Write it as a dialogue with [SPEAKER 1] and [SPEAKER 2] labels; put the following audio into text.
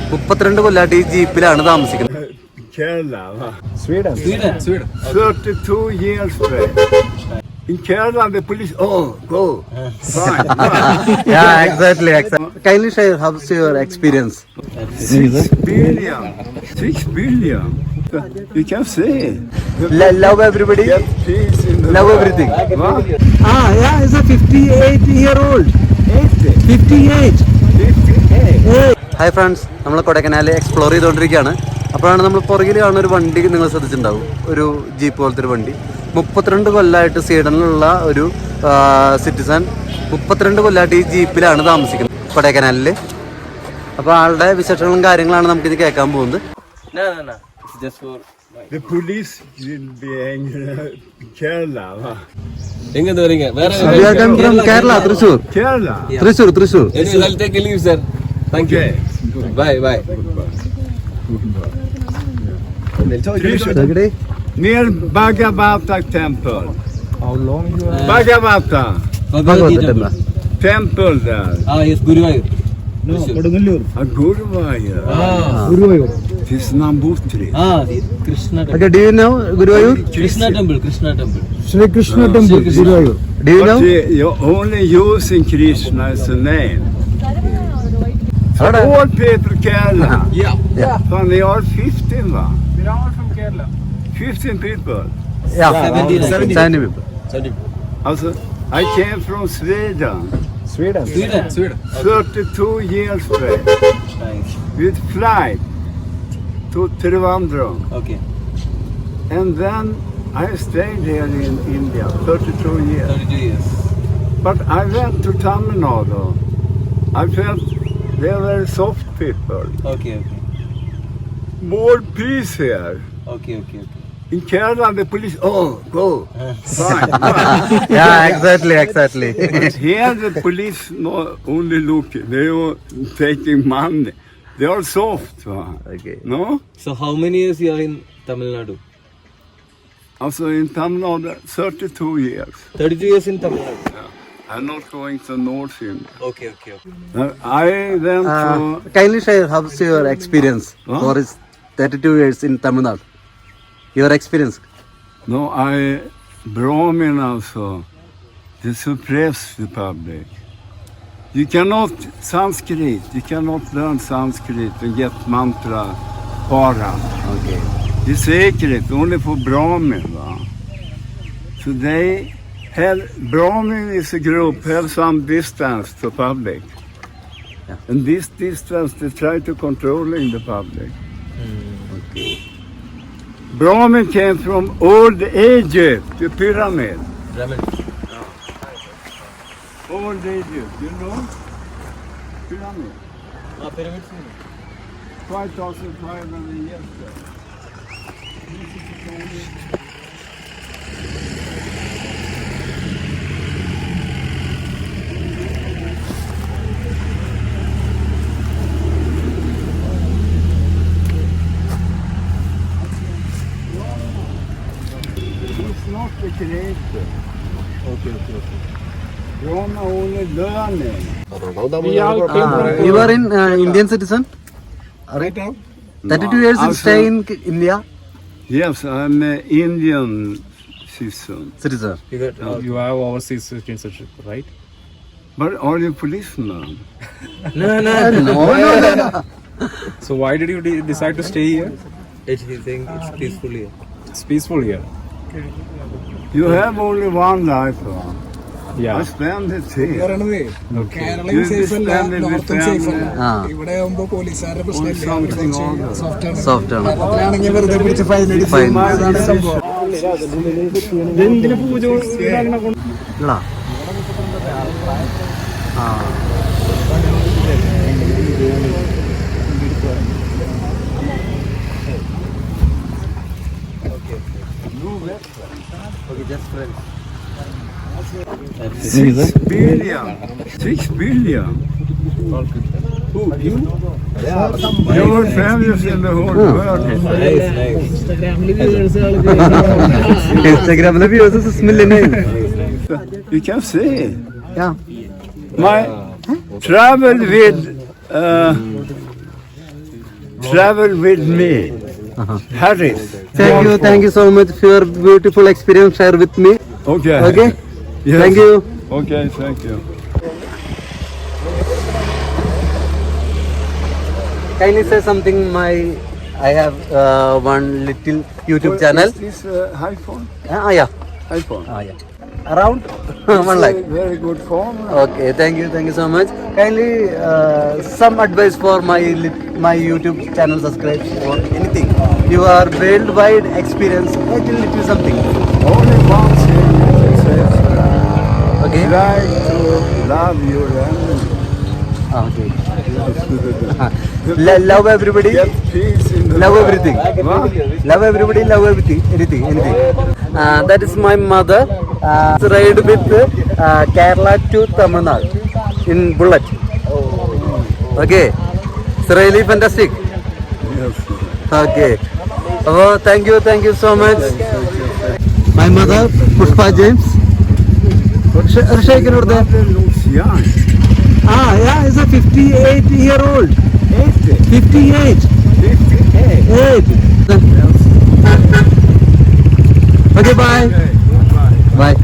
[SPEAKER 1] 32 കൊല്ലമായിട്ട് ഈ ജീപ്പിലാണ് താമസിക്കുന്നത്.
[SPEAKER 2] Kerala.
[SPEAKER 3] Sweden.
[SPEAKER 2] 32 years back. In Kerala, the police, go. Fine.
[SPEAKER 1] Yeah, exactly. Kindly share how's your experience.
[SPEAKER 2] 6 billion. You can say.
[SPEAKER 1] Love everybody.
[SPEAKER 2] Get peace in the
[SPEAKER 1] Love everything.
[SPEAKER 2] What?
[SPEAKER 1] Yeah, it's a 58-year-old. 58. Hi friends, നമ്മൾ Kodaikanal explore ചെയ്തുകൊണ്ടിരിക്കുകയാണ്. അപ്പോഴാണ് നമ്മൾ പുറകിൽ കാണുന്ന ഒരു വണ്ടി നിങ്ങൾ ശ്രദ്ധിച്ചിട്ടുണ്ടാവും, ഒരു ജീപ്പ് പോലത്തെ ഒരു വണ്ടി. 32 കൊല്ലമായിട്ട് സ്വീഡനിലുള്ള ഒരു സിറ്റിസൺ 32 കൊല്ലമായിട്ട് ഈ ജീപ്പിലാണ് താമസിക്കുന്നത് കൊടൈക്കനാലിൽ. അപ്പോൾ ആളുടെ വിശേഷങ്ങളും കാര്യങ്ങളാണ് നമുക്കിത് കേൾക്കാൻ പോകുന്നത്.
[SPEAKER 2] The police will be angry. Kerala.
[SPEAKER 3] എങ്ങനെ വരിക?
[SPEAKER 1] We are coming from Kerala, Thrissur.
[SPEAKER 2] Kerala.
[SPEAKER 1] Thrissur.
[SPEAKER 3] Yes, I'll take a leave, sir. Thank you. Bye.
[SPEAKER 2] Near Bhagavata temple.
[SPEAKER 3] How long you are?
[SPEAKER 2] Bhagavata
[SPEAKER 1] Bhagavata
[SPEAKER 2] temple there.
[SPEAKER 3] Yes, Guruvayur.
[SPEAKER 2] A Guruvayur.
[SPEAKER 3] Guruvayur.
[SPEAKER 2] This is Nambutri.
[SPEAKER 3] Krishna temple.
[SPEAKER 1] Okay, do you know Guruvayur?
[SPEAKER 3] Krishna temple.
[SPEAKER 1] Shri Krishna temple, Guruvayur. Do you know?
[SPEAKER 2] You're only using Krishna as a name. All people Kerala.
[SPEAKER 3] Yeah.
[SPEAKER 2] So they are 15 one.
[SPEAKER 3] We are all from Kerala.
[SPEAKER 2] 15 people.
[SPEAKER 1] Yeah,
[SPEAKER 3] 70
[SPEAKER 1] people.
[SPEAKER 2] Also, I came from Sweden.
[SPEAKER 3] Sweden.
[SPEAKER 2] 32 years back.
[SPEAKER 3] Nice.
[SPEAKER 2] With flight to Trivandrum.
[SPEAKER 3] Okay.
[SPEAKER 2] And then I stayed here in India 32 years.
[SPEAKER 3] 32 years.
[SPEAKER 2] But I went to Tamil Nadu. I felt they were soft people.
[SPEAKER 3] Okay.
[SPEAKER 2] More peace here.
[SPEAKER 3] Okay.
[SPEAKER 2] In Kerala, the police, go. Fine.
[SPEAKER 1] Yeah, exactly.
[SPEAKER 2] But here the police not only looking, they are taking money. They are soft.
[SPEAKER 1] Okay.
[SPEAKER 2] No?
[SPEAKER 3] So how many years you are in Tamil Nadu?
[SPEAKER 2] Also in Tamil Nadu, 32 years.
[SPEAKER 3] 32 years in Tamil Nadu.
[SPEAKER 2] I'm not going to North India.
[SPEAKER 3] Okay.
[SPEAKER 2] I went to...
[SPEAKER 1] Kindly share how's your experience for 32 years in Tamil Nadu. Your experience.
[SPEAKER 2] No, Brahmin also, they suppress the public. You cannot Sanskrit, you cannot learn Sanskrit and get mantra para.
[SPEAKER 1] Okay.
[SPEAKER 2] It's sacred, only for Brahmin. So they have, Brahmin is a group, have some distance to public.
[SPEAKER 1] Yeah.
[SPEAKER 2] And this distance they try to controlling the public.
[SPEAKER 1] Okay.
[SPEAKER 2] Brahmin came from old Egypt, the pyramid. Old Egypt, you know? Pyramid.
[SPEAKER 3] Pyramids.
[SPEAKER 2] 5,500 years ago. It's not the creator.
[SPEAKER 3] Okay.
[SPEAKER 2] Brahma only learning.
[SPEAKER 1] You are in Indian citizen?
[SPEAKER 3] Right now?
[SPEAKER 1] 32 years in stay in India?
[SPEAKER 2] Yes, I'm an Indian citizen.
[SPEAKER 3] You have overseas citizenship, right?
[SPEAKER 2] But are you policeman?
[SPEAKER 3] No.
[SPEAKER 4] So why did you decide to stay here?
[SPEAKER 3] It's peaceful here.
[SPEAKER 4] It's peaceful here.
[SPEAKER 2] You have only one life. I
[SPEAKER 4] Yeah.
[SPEAKER 2] spend it here.
[SPEAKER 5] കേരളയും
[SPEAKER 2] You
[SPEAKER 5] safe അല്ല,
[SPEAKER 2] spend it with
[SPEAKER 5] നോർത്തും safe അല്ല.
[SPEAKER 2] family.
[SPEAKER 5] ഇവിടെ ആകുമ്പോ പോലീസുകാരുടെ പ്രശ്നമില്ല,
[SPEAKER 2] something
[SPEAKER 1] Soft ആണ്.
[SPEAKER 5] അവരാണെങ്കിൽ വെറുതെ പിടിച്ച് ഫൈൻ
[SPEAKER 1] Fine.
[SPEAKER 5] അതാണ് സംഭവം.
[SPEAKER 1] ഇല്ല.
[SPEAKER 3] Okay, just friends.
[SPEAKER 2] 6 billion. Who? You? Your families in the whole world.
[SPEAKER 3] Nice.
[SPEAKER 1] Instagram viewers is million.
[SPEAKER 2] You can see.
[SPEAKER 1] Yeah.
[SPEAKER 2] My travel with travel with me. Harris.
[SPEAKER 1] Thank you so much for your beautiful experience share with me.
[SPEAKER 2] Okay.
[SPEAKER 1] Okay?
[SPEAKER 2] Yes.
[SPEAKER 1] Thank you.
[SPEAKER 2] Okay, thank you.
[SPEAKER 1] Kindly say something. I have one little YouTube channel.
[SPEAKER 2] Is this iPhone?
[SPEAKER 1] Yeah.
[SPEAKER 2] iPhone.
[SPEAKER 1] Yeah. Around 1 lakh.
[SPEAKER 2] Very good phone.
[SPEAKER 1] Okay, thank you so much. Kindly some advice for my YouTube channel subscribe or anything. You are worldwide experience, little something.
[SPEAKER 2] Only one thing it says,
[SPEAKER 1] Okay.
[SPEAKER 2] try to love your enemy.
[SPEAKER 1] Okay. Love everybody.
[SPEAKER 2] Get peace in the
[SPEAKER 1] Love
[SPEAKER 2] world.
[SPEAKER 1] everything.
[SPEAKER 2] What?
[SPEAKER 1] Love everybody. Love everything. Anything. That is my mother. Ride with Kerala to Tamil Nadu in bullet. Okay. It's really fantastic.
[SPEAKER 2] Yes.
[SPEAKER 1] Okay. Oh, thank you so much. My mother, Pushpa James. Shake it over there.
[SPEAKER 2] Mother looks young.
[SPEAKER 1] Yeah, he's a 58-year-old.
[SPEAKER 2] 80.
[SPEAKER 1] 58.
[SPEAKER 2] 58.
[SPEAKER 1] 8. Okay, bye.
[SPEAKER 2] Okay, bye.
[SPEAKER 1] Bye.